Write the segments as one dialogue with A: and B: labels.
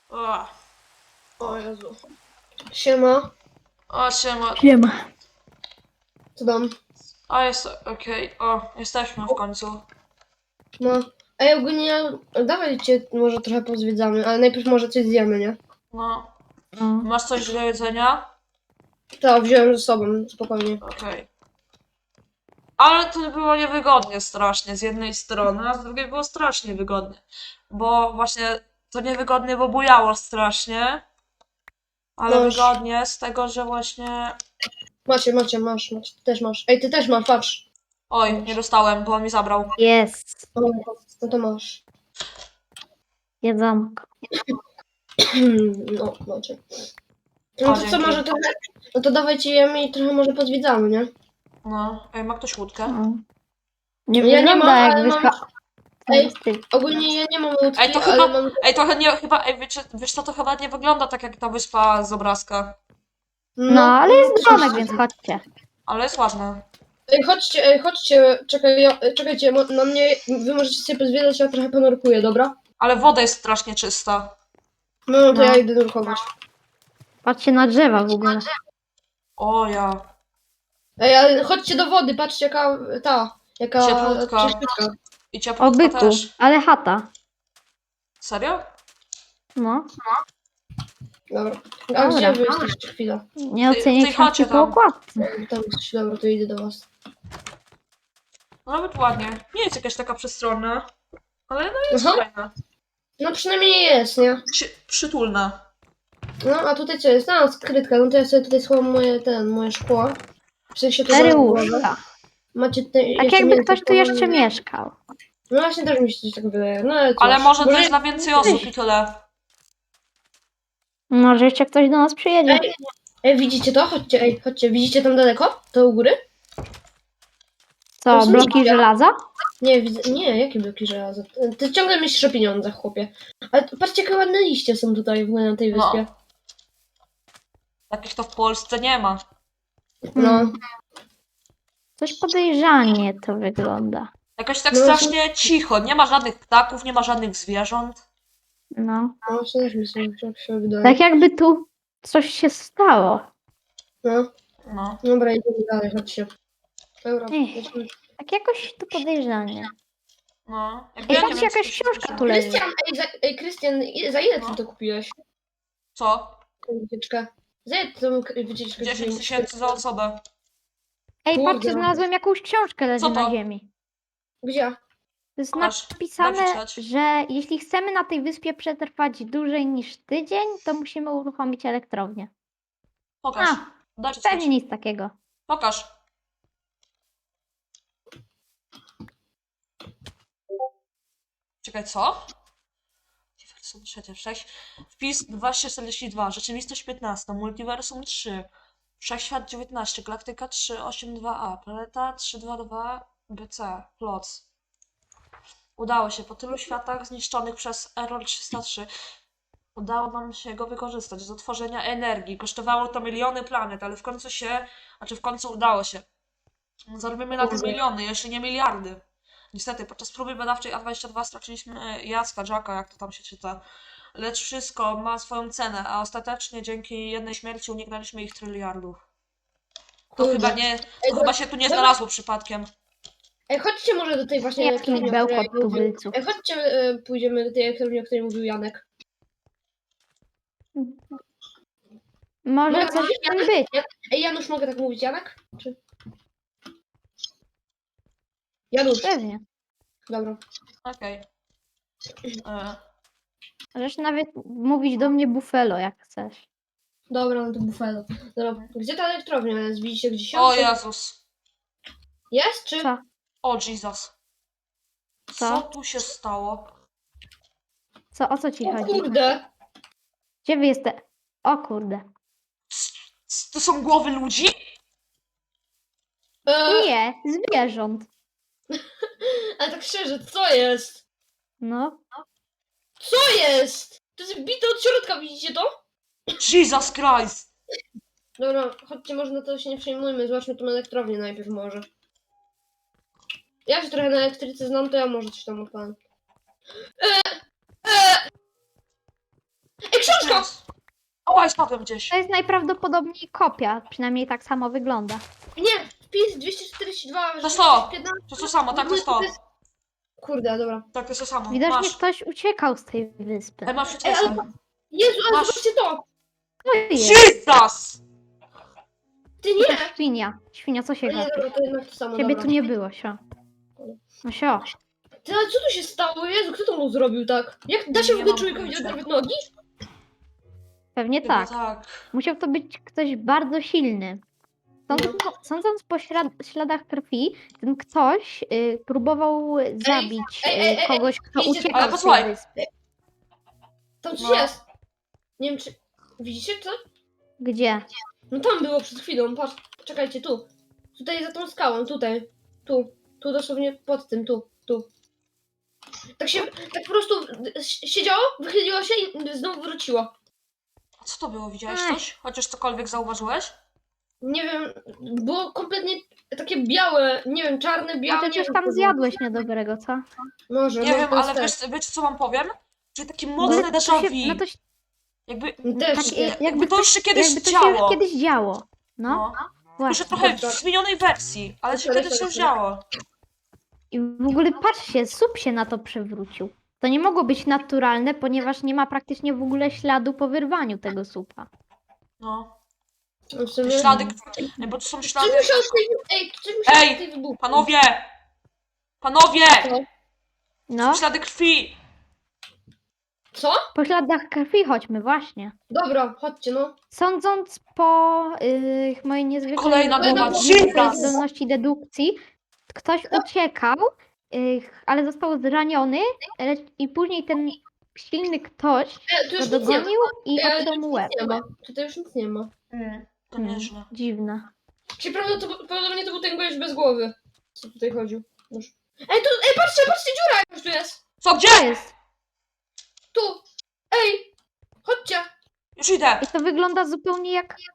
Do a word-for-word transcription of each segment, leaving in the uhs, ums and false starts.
A: O,
B: O Jezu. Siema.
A: o siema.
C: Siema.
B: Co tam?
A: A jest okej. O, jesteśmy w końcu.
B: No. Ej, ogólnie dawajcie może trochę pozwiedzamy, ale najpierw może coś zjemy, nie?
A: No.
C: No.
A: Masz coś do jedzenia?
B: To wziąłem ze sobą, spokojnie.
A: Okej. Ale to było niewygodnie strasznie z jednej strony, a z drugiej było strasznie wygodnie. Bo właśnie to niewygodnie, bo bujało strasznie. Ale
B: Masz.
A: wygodnie z tego, że właśnie...
B: Macie, macie, masz, macie. Ty też masz. Ej, ty też masz, patrz.
A: Oj, nie dostałem, bo on mi zabrał.
C: Jest.
B: O, no to masz.
C: Jedzonko.
B: No, macie. No
A: O,
B: to co,
A: dzięki.
B: może trochę... No to dawajcie jemy i trochę może pozwiedzamy, nie?
A: No. Ej, ma ktoś łódkę?
C: No. Nie
B: Ja nie
C: wygląda
B: mam,
C: jak
B: ale mam-
C: wyspa.
B: Ej,
C: Styl.
B: Ogólnie ja nie mam łódki,
A: Ej, to
B: ale
A: chyba...
B: mam...
A: Ej, to nie, chyba... Ej, wiecie, wiesz co, to chyba nie wygląda tak jak ta wyspa z obrazka.
C: No, ale jest
B: coś-
C: domek, więc chodźcie.
A: Ale jest ładne.
B: Ej, chodźcie, ej, chodźcie, czekaj, ja, czekajcie, mo- na mnie, wy możecie sobie pozwiedzać, ja trochę ponurkuję, dobra?
A: Ale woda jest strasznie czysta.
B: No, no to
C: No.
B: ja idę nurkować.
C: Patrzcie na drzewa w ogóle.
A: O ja.
B: Ej, ale chodźcie do wody, patrzcie jaka, ta, jaka...
A: Cieplutka.
B: czyściutka.
A: I
C: O
A: cieplutka
C: byku,
A: też.
C: ale chata.
A: Serio?
C: No.
B: Dobra. A
C: Dobra.
B: gdzie wy jesteście? Chwila.
C: Nie
A: W tej- w
C: ocenię
A: tej chacie
C: książki po
A: tam.
C: okładce.
B: Tam jesteście, dobra, to idę do was.
A: No nawet ładnie. Nie jest jakaś taka przestronna. Ale no jest
B: Aha.
A: fajna.
B: No przynajmniej jest, nie?
A: Przy, przytulna.
B: No, a tutaj co jest? A, skrytka, no to ja sobie tutaj schowam moje, ten, moje szkło. W sensie to
C: Cztery
B: za-
C: łóżka.
B: Macie tutaj
C: Tak
B: jeszcze
C: jakby
B: mięso
C: ktoś tu jeszcze
B: połamane.
C: mieszkał.
B: No właśnie też mi się coś tak wydaje, no ale cóż.
A: Ale może to jest dla więcej osób i tyle.
C: Może jeszcze ktoś do nas przyjedzie.
B: Ej, ej, widzicie to? Chodźcie, ej, chodźcie, widzicie tam daleko? To u góry?
C: Co,
B: to są
C: bloki
B: liście.
C: żelaza?
B: Nie, widzę, nie, jakie bloki żelaza? Ty- Ty ciągle myślisz o pieniądzach, chłopie. Ale to- patrzcie, jakie ładne liście są tutaj w ogóle na tej
A: No.
B: wyspie.
A: Takich to w Polsce nie ma.
B: No.
C: Hmm. Coś podejrzanie to wygląda.
A: Jakoś tak
B: No,
A: strasznie cicho. Nie ma żadnych ptaków, nie ma żadnych zwierząt.
C: No.
B: No, właśnie też mi się, tak się wydaje.
C: Tak jakby tu coś się stało.
B: No,
A: No.
B: dobra, idziemy dalej, chodźcie. Dobra,
C: Ech.
B: lecimy.
C: Tak jakoś tu podejrzanie.
A: No. Jak
C: Ej,
A: ja nie
C: patrz,
A: wiem,
C: jakaś
A: co się
C: książka
A: pisze.
C: tu leży.
B: Krystian, ej, za, ej, Krystian, i- za ile ty
A: No.
B: to kupiłeś?
A: Co?
B: Tę wycieczkę? Za ile ty tą k- wycieczkę
A: dziesięć
B: kupiłeś?
A: tysięcy za osobę.
C: Ej,
B: Kurde.
C: patrzcie, znalazłem jakąś książkę leży
A: Co to?
C: na ziemi.
B: Gdzie?
C: To jest
A: Pokaż, daj
C: napisane,
A: przeczytać.
C: że jeśli chcemy na tej wyspie przetrwać dłużej niż tydzień, to musimy uruchomić elektrownię.
A: Pokaż.
C: A,
A: Daj przeczytać.
C: pewnie nic takiego.
A: Pokaż. Czekaj, co? Multiversum trzecie, sześć. Wpis dwieście czterdzieści dwa, rzeczywistość piętnaście, multiversum trzy, wszechświat dziewiętnaście, galaktyka trzy osiem dwa a, planeta trzysta dwadzieścia dwa b c, Ploc. Udało się, po tylu światach zniszczonych przez Error trzysta trzy udało nam się go wykorzystać do tworzenia energii. Kosztowało to miliony planet, ale w końcu się, znaczy w końcu udało się. Zarobimy na tym
B: Kurde.
A: miliony, jeśli nie miliardy. Niestety, podczas próby badawczej A dwadzieścia dwa straciliśmy Jacka, Jacka, jak to tam się czyta. Lecz wszystko ma swoją cenę, a ostatecznie dzięki jednej śmierci uniknęliśmy ich tryliardów. To
B: Kurde.
A: chyba nie, to
B: Ej,
A: chyba się tu nie
B: dobra.
A: znalazło przypadkiem.
B: Ej, chodźcie może do tej właśnie
C: Jaki
B: elektrowni, o której
C: bełkot
B: mówił-
C: tubylców.
B: Ej, chodźcie, e, pójdziemy do tej elektrowni, o której mówił Janek.
C: Może
B: No,
C: coś w tym
B: Janek?
C: być.
B: Ej, Janusz, mogę tak mówić, Janek? Czy... Janusz,
C: Pewnie.
B: dobra.
A: Okej. E,
C: Możesz nawet mówić do mnie Buffalo, jak chcesz.
B: Dobra, no to bufalo. Dobra, gdzie ta elektrownia jest? Widzicie gdzieś ją?
A: O
B: Czy-
A: Jezus.
B: Jest, czy...
C: Co?
A: O Jesus. Co
C: Co?
A: tu się stało?
C: Co? O co ci
B: O
C: chodzi?
B: kurde!
C: Gdzie wy jesteście? O kurde.
A: C- c- To są głowy ludzi?
B: E,
C: Nie, zwierząt.
B: ale tak szczerze, co jest?
C: No.
B: Co jest? To jest bite od środka, widzicie to?
A: Jesus Christ.
B: Dobra, chodźcie, może na to się nie przejmujmy, zobaczmy tą elektrownię najpierw może. Ja się trochę na elektryce znam, to ja może coś tam odpalam. Eee, eee. Ej, książka!
A: O, spadłem gdzieś.
C: To jest najprawdopodobniej kopia, przynajmniej tak samo wygląda.
B: Nie, wpis dwieście czterdzieści dwa,
A: To sto.
B: piętnaście.
A: To jest to samo, tak, to jest to.
B: Kurde, dobra.
A: Tak, to jest to samo.
C: Widocznie
A: Masz.
C: ktoś uciekał z tej wyspy.
A: Ej, masz
B: Ej, ale...
A: wszystko.
B: Jezu, ale
A: Masz.
B: zobaczcie to!
C: To jest.
A: Jesus!
B: Ty
C: To
B: nie!
C: jest świnia. Świnia, co się
B: No nie,
C: gapi?
B: dobra, to jednak to samo,
C: Ciebie
B: dobra.
C: tu nie było, sio. No sio.
B: Ty, ale co tu się stało? Jezu, kto to mu zrobił tak? Jak da się
A: Nie
B: w ogóle
A: mam
B: człowiekowi
A: pojęcia.
B: oderwać nogi?
C: Pewnie
A: Chyba
C: tak.
A: tak.
C: Musiał to być ktoś bardzo silny. Sądząc, sądząc po ślad, śladach krwi, ten ktoś y, próbował zabić
B: ej, ej,
C: y,
B: ej,
C: kogoś, kto
B: widzicie-
C: uciekał
A: Ale
C: z
A: posłuchaj.
C: tej wyspy.
B: Tam coś
A: No.
B: jest. Nie wiem czy... Widzicie co?
C: Gdzie?
B: No tam było przed chwilą, patrz. Czekajcie, tu. Tutaj za tą skałą, tutaj. Tu. Tu dosłownie pod tym, tu. Tu. Tak się, tak po prostu siedziało, wychyliło się i znowu wróciło.
A: A co to było? Widziałeś
C: Ech.
A: coś? Chociaż cokolwiek zauważyłeś?
B: Nie wiem, było kompletnie takie białe, nie wiem, czarne, białe.
C: Może
B: nie
C: coś
B: wiem,
C: tam
B: co było.
C: zjadłeś niedobrego, co?
B: Może,
A: Nie
B: może
A: wiem,
B: to jest
A: ale
B: tak.
A: wiesz, wiecie co wam powiem? Czyli takie
C: No
A: mocne
C: to
A: déjà
C: się,
A: vu.
C: no to, się-
A: Jakby,
B: Też
C: tak,
B: nie.
C: jakby,
A: jakby to już się kiedyś
C: jakby to się
A: działo.
C: już kiedyś działo. No,
A: No. Tylko,
C: właśnie.
A: że trochę
B: Dobra.
A: w zmienionej wersji, ale się
B: Sorry,
A: kiedyś
B: sorry,
A: już
B: sorry.
A: działo.
C: I w ogóle patrzcie, słup się na to przewrócił. To nie mogło być naturalne, ponieważ nie ma praktycznie w ogóle śladu po wyrwaniu tego słupa.
A: No.
B: No w
A: Te
B: sumie...
A: ślady, Ej, bo to są
B: Coś
A: ślady...
B: musiało tutaj... Ej, coś musiało
A: Ej,
B: tutaj wybuchnąć.
A: Panowie! Panowie!
C: No,
A: Są ślady krwi!
B: Co?
C: po śladach krwi chodźmy, właśnie.
B: Dobra, chodźcie no.
C: Sądząc po y, mojej niezwykłej
A: Kolejna
B: bomba.
C: niezwykłej
A: Jesus!
C: zdolności dedukcji, ktoś uciekał, y, ale został zraniony lecz, i później ten silny ktoś
B: E, tu
C: go
B: już nic nie ma.
C: dogonił i
B: E,
C: obciął
B: tu
C: mu
B: już
C: łeb.
B: nic nie ma. Tutaj już nic nie ma.
A: Mm, to
C: Hmm,
A: nieźle.
C: dziwne.
B: Czyli prawdopodobnie to był ten gość bez głowy. Co tutaj chodził? Już. Ej, tu, ej, patrzcie, patrzcie, dziura jakaś tu jest.
A: Co,
C: To
A: gdzie?
C: jest.
B: Tu. Ej, chodźcie.
A: Już idę.
C: I to wygląda zupełnie jak...
B: Ej,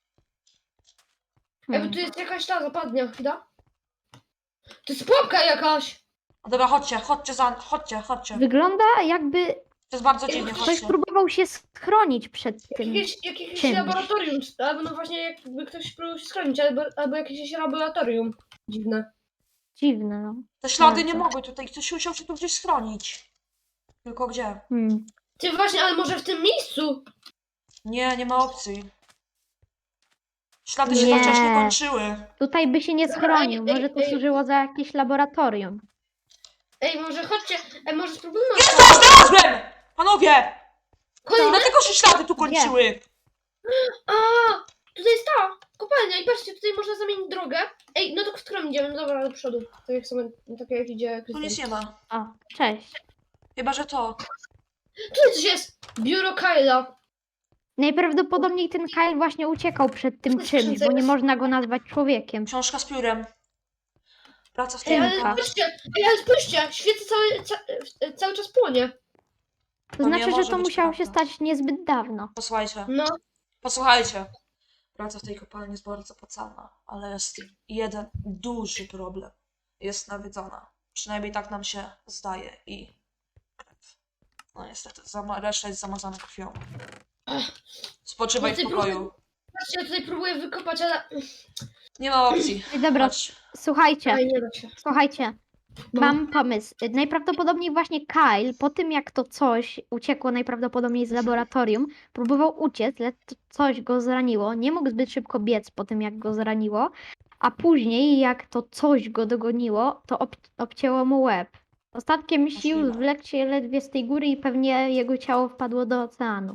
B: bo
C: Hmm.
B: tu jest jakaś ta zapadnia, chwila. To jest pułapka jakaś.
A: No dobra, chodźcie, chodźcie za... Chodźcie, chodźcie.
C: Wygląda jakby
A: To jest bardzo dziwnie,
C: ktoś
A: chodźcie.
C: próbował się schronić przed tym.
B: Jakieś, jakieś
C: czymś.
B: laboratorium, czy- albo no właśnie jakby ktoś próbował się schronić, albo, albo jakieś laboratorium. Dziwne.
C: Dziwne, no.
A: Te ślady nie
C: Bardzo.
A: mogły tutaj, ktoś musiał się tu gdzieś schronić. Tylko gdzie?
C: Hmm.
B: Ty właśnie, ale może w tym miejscu?
A: Nie, nie ma opcji. Ślady się
C: Nie.
A: tak wcześnie kończyły.
C: Tutaj by się nie
B: Dobra,
C: schronił.
B: ej,
C: Może to
B: ej.
C: służyło za jakieś laboratorium.
B: Ej, może chodźcie, ej, może spróbujmy...
A: Znalazłem! Panowie!
B: Kolejne?
A: Dlatego się ślady tu kończyły.
B: A, tutaj jest ta kopalnia i patrzcie, tutaj można zamienić drogę. Ej, no to w którą idziemy? No dobra, do przodu. Tak jak sobie, tak jak idzie
A: Tu nic
B: Krystian.
A: nie ma.
C: O, cześć.
A: Chyba, że to.
B: Tutaj coś jest! Biuro Kyla.
C: Najprawdopodobniej ten Kyle właśnie uciekał przed tym
B: To
C: czymś,
B: skrzynce
C: bo nie
B: jest.
C: można go nazwać człowiekiem.
A: Książka z piórem. Praca w
B: Ej, ale
C: Tymka.
A: tymka.
B: patrzcie, ej, ale spójrzcie, świece cały, ca, e, cały czas płonie.
C: To
A: To nie
C: znaczy, że
A: może
C: to
A: być
C: musiało się
A: prawda.
C: stać niezbyt dawno.
A: Posłuchajcie.
B: No,
A: Posłuchajcie. Praca w tej kopalni jest bardzo opłacalna, ale jest jeden duży problem. Jest nawiedzona. Przynajmniej tak nam się zdaje i krew. No niestety, zama- reszta jest zamazana krwią. Spoczywaj w
B: Ty
A: pokoju.
B: patrzcie, ja tutaj próbuję wykopać, ale...
A: Nie ma opcji.
C: I dobra,
A: Chodź.
C: słuchajcie,
B: Ej, nie da się.
C: słuchajcie.
B: No.
C: Mam pomysł. Najprawdopodobniej właśnie Kyle, po tym jak to coś uciekło najprawdopodobniej z laboratorium, próbował uciec, lecz to coś go zraniło. Nie mógł zbyt szybko biec po tym jak go zraniło, a później jak to coś go dogoniło, to ob obcięło mu łeb. Ostatkiem sił
A: Możliwe.
C: zwlekł się ledwie z tej góry i pewnie jego ciało wpadło do oceanu.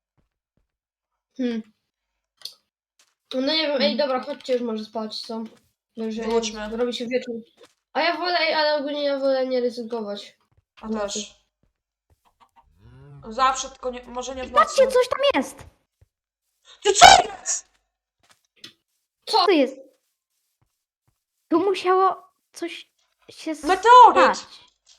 B: Hmm. No nie wiem, ej, dobra, chodźcie już może spać, co? Bo już
A: Wróćmy.
B: robi się wieczór. A ja wolę, ej, ale ogólnie ja wolę nie ryzykować.
A: A też. Zawsze, tylko nie, może nie w nocy.
C: Patrzcie, coś tam jest!
A: Ty co jest?
B: Co?
C: Co to jest? Tu musiało coś się
A: Meteoryt!
C: stać.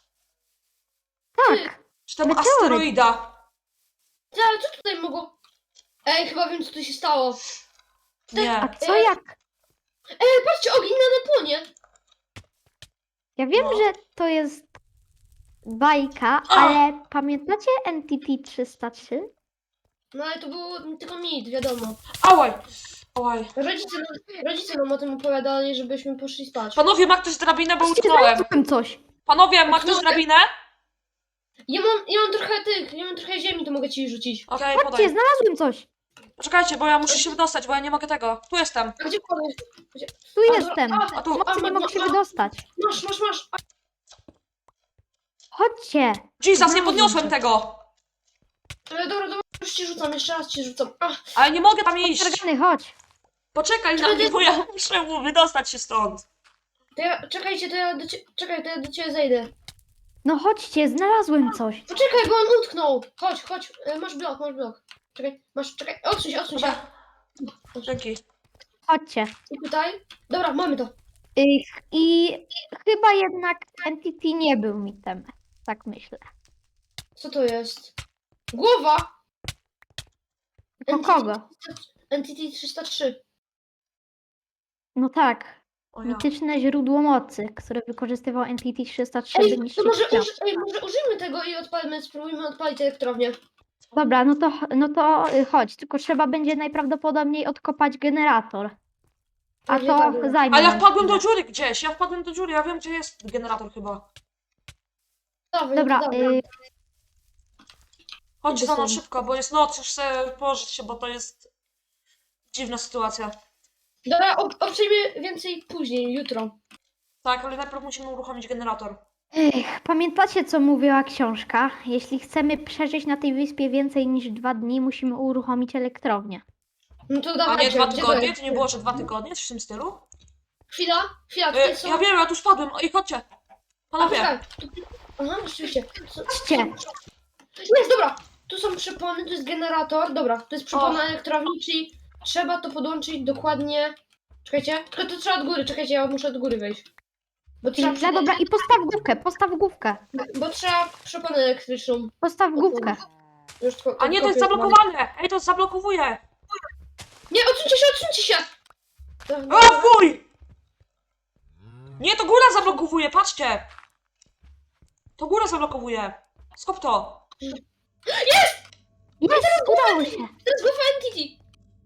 C: Tak.
A: Czy tam
C: Meteoryt.
A: asteroida?
B: Ty, ale co tutaj mogło... Ej, chyba wiem, co tu się stało.
C: A
A: Nie.
C: co jak...
B: Ej, patrzcie, ogień na płonie.
C: Ja wiem,
A: No.
C: że to jest bajka,
A: A!
C: ale pamiętacie Entity trzysta trzy?
B: No ale to było tylko mit, wiadomo.
A: Ałaj! Ałaj.
B: Rodzice, nam- rodzice nam o tym opowiadali, żebyśmy poszli spać.
A: Panowie, ma ktoś drabinę, bo
C: Patrzcie,
A: utknąłem.
C: znalazłem coś.
A: Panowie, ma ktoś drabinę?
B: Ja mam, ja mam trochę tych, ja mam trochę ziemi, to mogę ci rzucić.
A: Okej,
C: Patrzcie,
A: podaj.
C: znalazłem coś.
A: Czekajcie, bo ja muszę się wydostać, bo ja nie mogę tego. Tu jestem.
B: A gdzie podać? Gdzie?
C: Tu
B: A,
C: jestem.
B: A,
A: A tu.
C: Pomocy, nie
B: ma-
C: mogę się
B: ma-
C: wydostać.
B: Masz, masz, masz. A,
C: Chodźcie.
A: Jesus, nie
B: Znalazłem
A: podniosłem
B: cię.
A: tego.
B: ale dobra, dobra, już ci rzucam, jeszcze raz ci rzucam. A,
A: Ale nie mogę tam iść.
C: Targany, chodź.
A: Poczekaj na mnie, bo ja muszę mu wydostać się stąd.
B: to ja, czekajcie, to ja do ciebie, czekaj, to ja do ciebie zejdę.
C: No chodźcie, znalazłem coś.
B: Poczekaj, bo on utknął. Chodź, chodź, e, masz blok, masz blok. Czekaj, masz, czekaj, odsuń się, odsuń się.
A: Dobra. Dzięki.
C: Chodźcie.
B: I tutaj. Dobra, mamy to.
C: I, I chyba jednak Entity nie był mitem. Tak myślę.
B: Co to jest? Głowa!
C: Do kogo?
B: Entity trzysta trzy.
C: No tak.
A: O ja.
C: Mityczne źródło mocy, które wykorzystywał Entity trzysta trzy, by
B: Ej, to
C: niszczyć
B: może,
C: świat.
B: uży, ej, może użyjmy tego i odpalmy, spróbujmy odpalić elektrownię.
C: Dobra, no to, no to y, chodź, tylko trzeba będzie najprawdopodobniej odkopać generator. A
B: Pewnie
C: to
B: tak.
C: zajmie
A: Ale ja
C: nam
A: wpadłem do
C: chwilę.
A: dziury gdzieś, ja wpadłem do dziury, ja wiem gdzie jest generator chyba.
B: Dobra,
C: Dobra,
B: dobra.
C: y,
A: Chodźcie za mną
B: Idę
A: szybko, bo jest noc, już chcę położyć się, bo to jest dziwna sytuacja.
B: Dobra, ob- obczajmy więcej później, jutro.
A: Tak, ale najpierw musimy uruchomić generator.
C: Ech, pamiętacie, co mówiła książka? Jeśli chcemy przeżyć na tej wyspie więcej niż dwa dni, musimy uruchomić elektrownię.
B: No to
A: A
B: dawajcie.
A: nie dwa
B: gdzie to
A: tygodnie?
B: jest?
A: To nie było, że dwa tygodnie? Coś w tym stylu?
B: Chwila, chwila,
A: E,
B: tutaj są...
A: ja wiem, ja tu spadłem. Ej, chodźcie.
B: A,
A: Panowie.
B: poczekaj. Tu- Aha, rzeczywiście. Co-
C: Chodźcie!
B: Jest, dobra. Tu są przepony, tu jest generator. Dobra, to jest przepona
A: O.
B: elektrowni, czyli trzeba to podłączyć dokładnie... Czekajcie, tylko to trzeba od góry, czekajcie, ja muszę od góry wejść. Bo trzeba,
C: No dobra, i postaw główkę, postaw główkę.
B: bo trzeba przeponę elektryczną.
C: Postaw główkę.
B: Już tylko,
A: A nie, to jest
B: kopię.
A: zablokowane. Ej, to zablokowuje.
B: Nie, odsuńcie się, odsuńcie się!
A: O, fuj! Nie, to góra zablokowuje, patrzcie. To góra zablokowuje. Skop to.
C: Jest! Udało się.
B: To jest głowa Entity!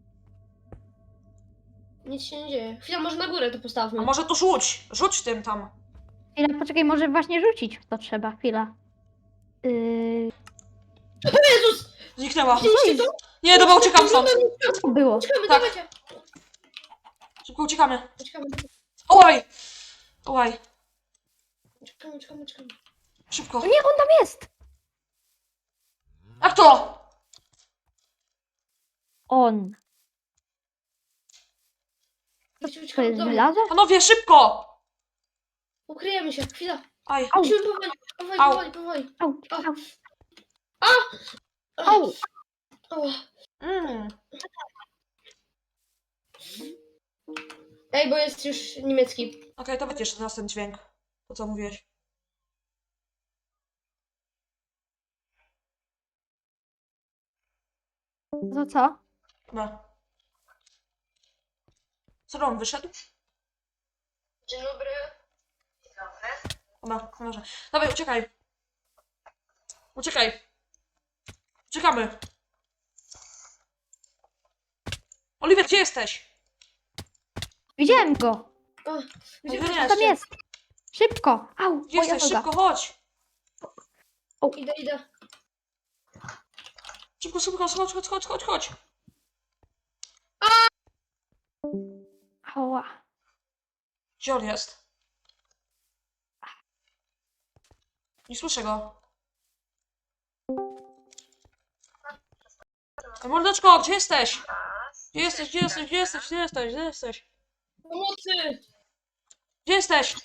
B: Nic się nie dzieje. Chwila, może na górę to
A: A
B: postawmy.
A: może to rzuć. Rzuć tym tam.
C: Chwila, poczekaj, może właśnie rzucić w to trzeba. Chwila. Yy,
B: Jezus!
A: Zniknęła.
B: Widzieliście to?
A: Nie, dobra, uciekam stąd.
C: co było?
B: Uciekamy,
A: Tak.
B: dawajcie!
A: Szybko uciekamy.
B: Uciekamy,
A: Oj! Oj,
B: uciekamy, uciekamy, uciekamy.
A: szybko.
C: O nie, on tam jest!
A: Jak to?
C: On.
B: Uciekamy,
C: To
B: uciekamy
C: jest
B: do domu.
C: żelazo?
A: Panowie, szybko!
B: Ukryjemy się, chwila.
A: Aj,
C: Au,
B: Musimy powoli, powoli,
A: Au.
B: powoli, powoli.
C: au, au,
B: Ach,
C: au.
B: ała.
A: mm.
B: Ej, bo jest już niemiecki.
A: Okej, to będzie jeszcze raz ten dźwięk. To co mówiłeś.
C: To co?
A: Dobra. Co on wyszedł?
B: Dzień dobry.
A: Dobra, może. Dawaj, uciekaj. Uciekaj. Uciekamy. Oliver, gdzie jesteś?
C: Widziałem go!
B: O, gdzie
A: Gdzie
B: wy
C: Co tam jest? Szybko! Au,
A: Gdzie
C: moja
A: jesteś?
C: noga.
A: Szybko, chodź.
B: Idę, idę.
A: Szybko, szybko, chodź, chodź, chodź, chodź, chodź.
C: Ała.
A: Gdzie on jest? Nie słyszę go. Ej, mordeczko, gdzie jesteś? Gdzie jesteś, gdzie jesteś, gdzie jesteś, gdzie jesteś, gdzie jesteś?
B: Pomocy!
A: Gdzie jesteś?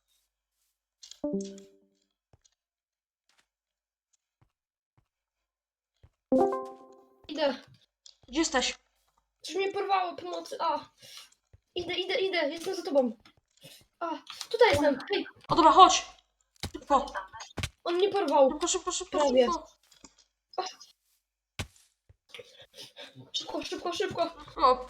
B: Idę.
A: Gdzie jesteś?
B: Coś mnie porwało, pomocy. A. Idę, idę, idę. Jestem za tobą. A, tutaj jestem. Hej,
A: O dobra, chodź. Szybko,
B: on mnie porwał.
A: szybko, szybko, szybko,
B: Prawie.
A: szybko.
B: Szybko, szybko, szybko.
A: O.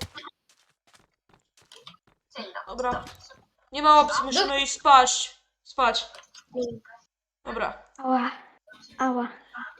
A: Dobra. Nie ma opcji, musimy iść spać. Spać. Dobra.
C: Ała. Ała.